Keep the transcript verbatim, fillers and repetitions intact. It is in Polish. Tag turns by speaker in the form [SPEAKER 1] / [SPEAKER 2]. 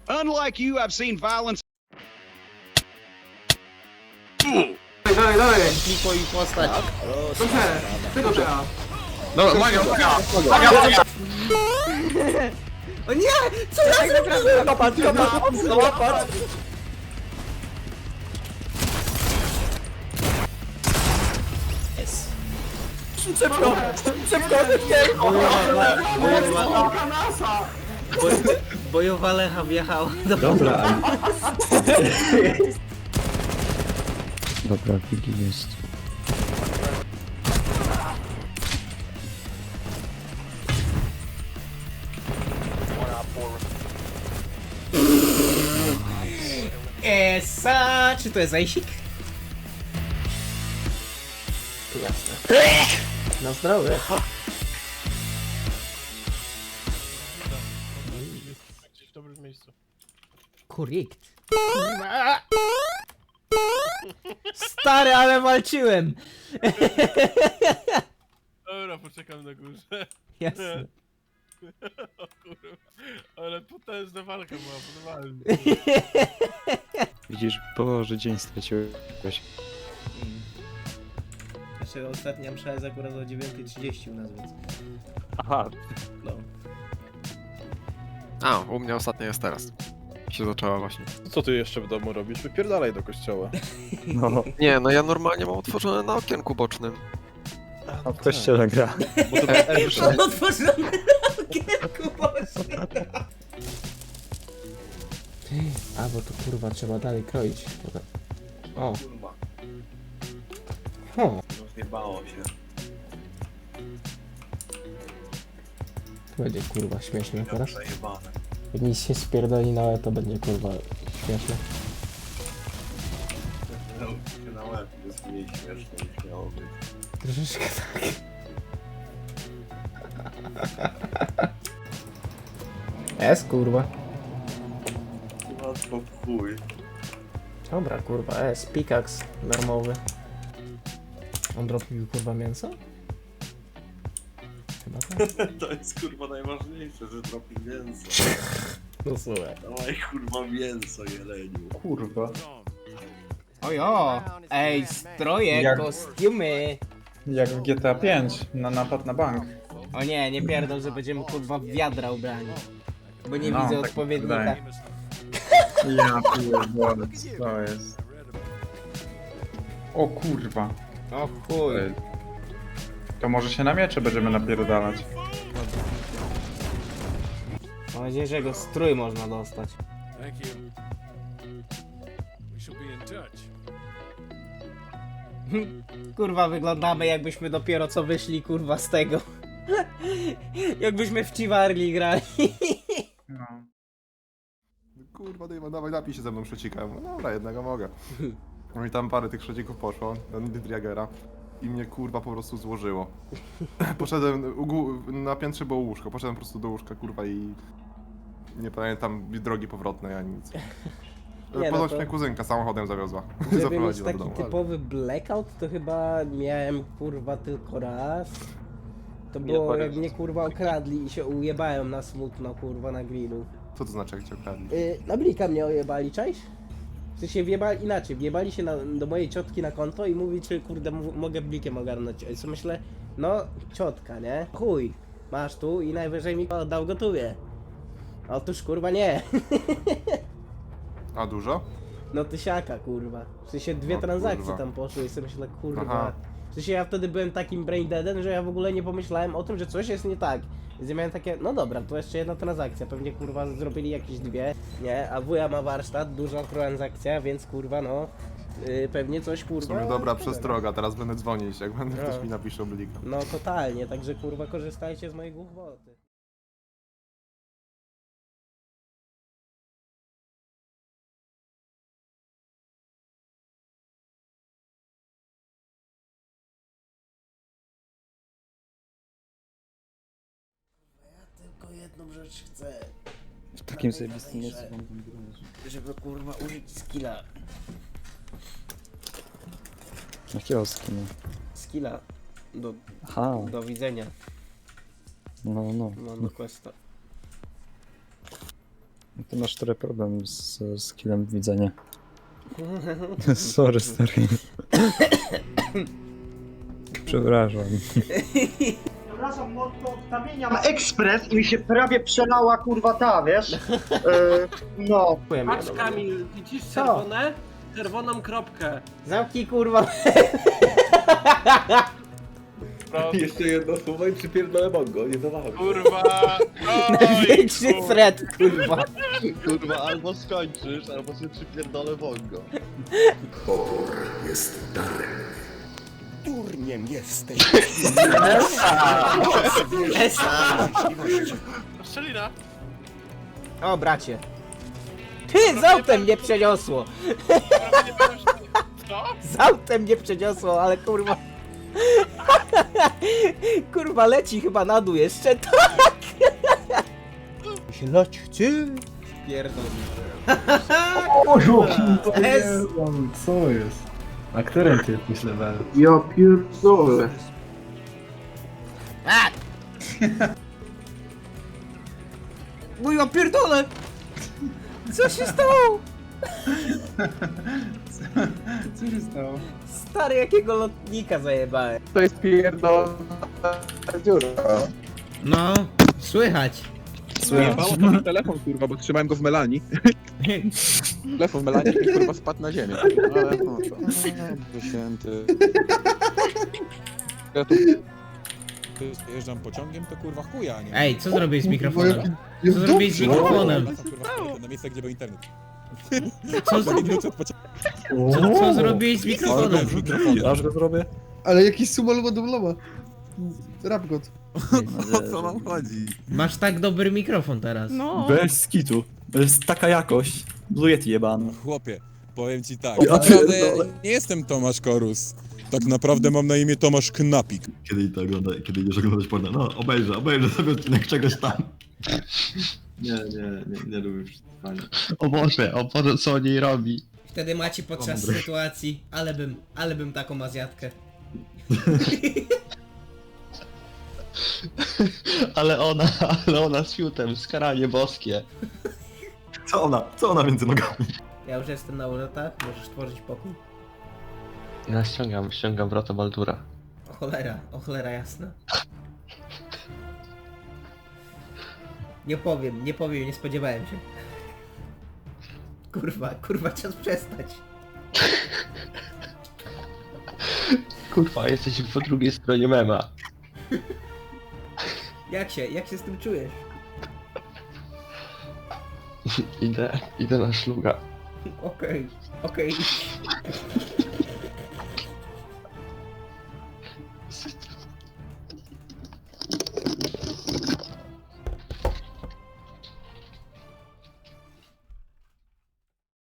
[SPEAKER 1] Unlike you, I've seen violence.
[SPEAKER 2] Dalej, dalej!
[SPEAKER 3] Klikuj postać.
[SPEAKER 2] Dobrze, tego trzeba.
[SPEAKER 4] Dobra, Magia, Magia! Magia, Magia!
[SPEAKER 3] O nie! Co ja zrobiłem? Łapać, łapać, łapać! Jest. Szybko! Szybko! Bojowa, bojowa,
[SPEAKER 2] Kanasa!
[SPEAKER 3] bojowa Lecha wjechała do...
[SPEAKER 5] Dobra. Dobra, Wigi jest.
[SPEAKER 3] Esa! Czy to jest Ejsik? Jasne. Na zdrowie.
[SPEAKER 6] Gdzieś w dobrym miejscu.
[SPEAKER 3] Korrekt. Stary, ale walczyłem!
[SPEAKER 6] Dobra, poczekam na górze.
[SPEAKER 3] Jasne.
[SPEAKER 6] O kurwa, ale potężna walka była, podobałem.
[SPEAKER 5] Widzisz, Boże, dzień straciłeś.
[SPEAKER 3] Znaczy ostatnia msza jest akurat o dziewiąta trzydzieści u nas, więc...
[SPEAKER 5] Aha.
[SPEAKER 3] No.
[SPEAKER 4] A, u mnie ostatnia jest teraz. Się zaczęła właśnie.
[SPEAKER 7] Co ty jeszcze w domu robisz? Wypierdalaj do kościoła.
[SPEAKER 5] No,
[SPEAKER 4] Nie, no ja normalnie mam otworzone na okienku bocznym.
[SPEAKER 5] a w kościele gra.
[SPEAKER 7] Bo to na Elżę.
[SPEAKER 3] Mam otworzone na okienku, Boże. Ty, a bo to kurwa trzeba dalej kroić. O. O.
[SPEAKER 8] Zjebało się.
[SPEAKER 3] To będzie kurwa śmieszne teraz.
[SPEAKER 8] Przejebane.
[SPEAKER 3] Jak mi się spierdoli na łeb, to będzie kurwa śmieszne.
[SPEAKER 8] Na łeb jest mniej śmieszne niż miało być.
[SPEAKER 3] Troszeczkę tak. Jest kurwa.
[SPEAKER 8] Łatwo w chuj.
[SPEAKER 3] Dobra kurwa, jest pikaks darmowy. On dropił kurwa mięso? Chyba tak.
[SPEAKER 8] To jest kurwa najważniejsze, że dropi mięso.
[SPEAKER 3] No słuchaj.
[SPEAKER 8] Dawaj kurwa mięso, jeleniu.
[SPEAKER 5] Kurwa.
[SPEAKER 3] Ojo! Ej, stroje,
[SPEAKER 9] Jak-
[SPEAKER 3] kostiumy!
[SPEAKER 9] Jak w G T A pięć, na napad na bank.
[SPEAKER 3] O nie, nie pierdol, że będziemy kurwa w wiadra ubrani. Bo nie
[SPEAKER 9] No,
[SPEAKER 3] widzę
[SPEAKER 9] tak mi
[SPEAKER 3] odpowiednika.
[SPEAKER 9] wydaje. Ja pierdolę, co to jest? O kurwa.
[SPEAKER 3] O chuj.
[SPEAKER 9] To może się na miecze będziemy napierdalać.
[SPEAKER 3] Mam nadzieję, że jego strój można dostać.
[SPEAKER 6] Thank you. We shall be in touch.
[SPEAKER 3] Kurwa, wyglądamy jakbyśmy dopiero co wyszli kurwa z tego. Jakbyśmy w Chivarli grali.
[SPEAKER 9] No.
[SPEAKER 10] Kurwa, daj, dawaj, napij się ze mną szocika. No dobra, jednego mogę. No i tam parę tych szocików poszło, do Driagera. I mnie kurwa po prostu złożyło. Poszedłem, u gó- na piętrze było łóżko, poszedłem po prostu do łóżka kurwa i... Nie pamiętam drogi powrotnej ani nic.
[SPEAKER 3] Nie, no
[SPEAKER 10] Ponoć
[SPEAKER 3] to-
[SPEAKER 10] mnie kuzynka samochodem zawiozła.
[SPEAKER 3] Żeby mieć
[SPEAKER 10] Zaprowadziła do
[SPEAKER 3] taki
[SPEAKER 10] domu.
[SPEAKER 3] typowy blackout, to chyba miałem kurwa tylko raz. To było jak mnie kurwa okradli i się ujebałem na smutno kurwa na grillu.
[SPEAKER 10] Co to znaczy jak cię okradli?
[SPEAKER 3] Yy, na blika mnie ojebali, cześć? Czy się wjebali inaczej, wjebali się na, do mojej ciotki na konto i mówi, czy kurde m- mogę blikiem ogarnąć. I co myślę, no ciotka, nie? Chuj, masz tu i najwyżej mi oddał gotuje. Otóż kurwa nie.
[SPEAKER 10] A dużo?
[SPEAKER 3] No tysiaka kurwa. W sensie dwie
[SPEAKER 10] O,
[SPEAKER 3] transakcje
[SPEAKER 10] kurwa.
[SPEAKER 3] tam poszły i sobie myślę, kurwa.
[SPEAKER 10] Aha.
[SPEAKER 3] W sensie ja wtedy byłem takim braindeadem, że ja w ogóle nie pomyślałem o tym, że coś jest nie tak. Więc ja miałem takie, no dobra, to jeszcze jedna transakcja, pewnie kurwa zrobili jakieś dwie, nie? A wuja ma warsztat, duża transakcja, więc kurwa no, yy, pewnie coś
[SPEAKER 10] W
[SPEAKER 3] kurwa...
[SPEAKER 10] sumie dobra przestroga, teraz będę dzwonić, jak będę
[SPEAKER 3] No.
[SPEAKER 10] ktoś mi napisze blika.
[SPEAKER 3] No totalnie, także kurwa korzystajcie z mojej głupoty. Tylko jedną rzecz chcę.
[SPEAKER 5] W takim zajebistym miejscu wam
[SPEAKER 3] Żeby kurwa użyć skilla.
[SPEAKER 5] Jakiego skina?
[SPEAKER 3] Skilla. Do,
[SPEAKER 5] Aha,
[SPEAKER 3] do widzenia.
[SPEAKER 5] no, no.
[SPEAKER 3] No do questa.
[SPEAKER 5] Ty masz trochę problem z skillem widzenia. Sorry, stary. Przepraszam.
[SPEAKER 11] Przepraszam, no to kamienia ekspres i mi się prawie przelała kurwa ta, wiesz? Yy, no.
[SPEAKER 3] Patrz
[SPEAKER 2] Kamil, widzisz
[SPEAKER 3] czerwone?
[SPEAKER 2] Czerwoną kropkę.
[SPEAKER 3] Zamknij kurwa.
[SPEAKER 8] Jeszcze jedno słowo i przypierdolę bongo, nie zawaham.
[SPEAKER 6] Kurwa!
[SPEAKER 3] Największy threat, kurwa.
[SPEAKER 8] Kurwa, albo skończysz, albo sobie przypierdolę bongo.
[SPEAKER 3] Esa.
[SPEAKER 6] Strzelina!
[SPEAKER 3] O, bracie. Ty, z autem mnie przeniosło.
[SPEAKER 6] Prawie nie pamiętam, że- Co?
[SPEAKER 3] Z autem mnie przeniosło, ale kurwa. Kurwa, leci chyba na dół jeszcze, tak. Się lać chce. Pierdol. Es.
[SPEAKER 9] Co jest? A którym ty jesteś level?
[SPEAKER 2] Ja pierdolę.
[SPEAKER 3] A! Mój opierdolę! Co się stało?
[SPEAKER 9] Co się stało?
[SPEAKER 3] Stary, jakiego lotnika zajebałem.
[SPEAKER 2] To jest pierdolona dziura.
[SPEAKER 3] No, słychać.
[SPEAKER 7] Jebało to mi telefon, kurwa, bo trzymałem go w melanii. Telefon w melanii i kurwa spadł na ziemię. Ale no to... O, święty... Ja tu...
[SPEAKER 12] Jeżdżam pociągiem, to kurwa chuja, nie?
[SPEAKER 3] Ej, co zrobiłeś z mikrofonem? Co zrobiłeś z mikrofonem?
[SPEAKER 12] Na miejsce, gdzie był internet.
[SPEAKER 3] Co,
[SPEAKER 12] Za minutę od pociągu.
[SPEAKER 3] co, co zrobiłeś z mikrofonem?
[SPEAKER 5] Aż go zrobię?
[SPEAKER 8] Ale jakiś sumal ładowlowa. Rap god.
[SPEAKER 12] O co wam chodzi?
[SPEAKER 3] Masz tak dobry mikrofon teraz.
[SPEAKER 6] No!
[SPEAKER 5] Bez skitu. To jest taka jakość. Blujety jebany.
[SPEAKER 12] Chłopie, powiem ci tak.
[SPEAKER 5] Ja
[SPEAKER 12] Naprawdę ja
[SPEAKER 5] pierdolę.
[SPEAKER 12] nie jestem Tomasz Korus. Tak naprawdę mam na imię Tomasz Knapik.
[SPEAKER 8] Kiedy to ogląda, kiedy idziesz oglądać porno? No, obejrzę, obejrzę sobie odcinek czegoś tam. Nie, nie, nie, nie lubię przeczytania. O Boże, o Boże, co o niej robi?
[SPEAKER 3] Wtedy macie podczas sytuacji, ale bym, ale bym taką azjatkę.
[SPEAKER 8] Ale ona, ale ona z fiutem, skaranie boskie.
[SPEAKER 10] Co ona? Co ona między nogami?
[SPEAKER 3] Ja już jestem na urotach, możesz tworzyć pokój.
[SPEAKER 8] Ja ściągam, ściągam wrota Baldura.
[SPEAKER 3] O cholera, o cholera jasna. Nie powiem, nie powiem, nie spodziewałem się. Kurwa, kurwa, czas przestać.
[SPEAKER 8] Kurwa, jesteś po drugiej stronie mema.
[SPEAKER 3] Jak się, jak się z tym czujesz?
[SPEAKER 8] Idę, idę na szluga.
[SPEAKER 3] Okej, okej.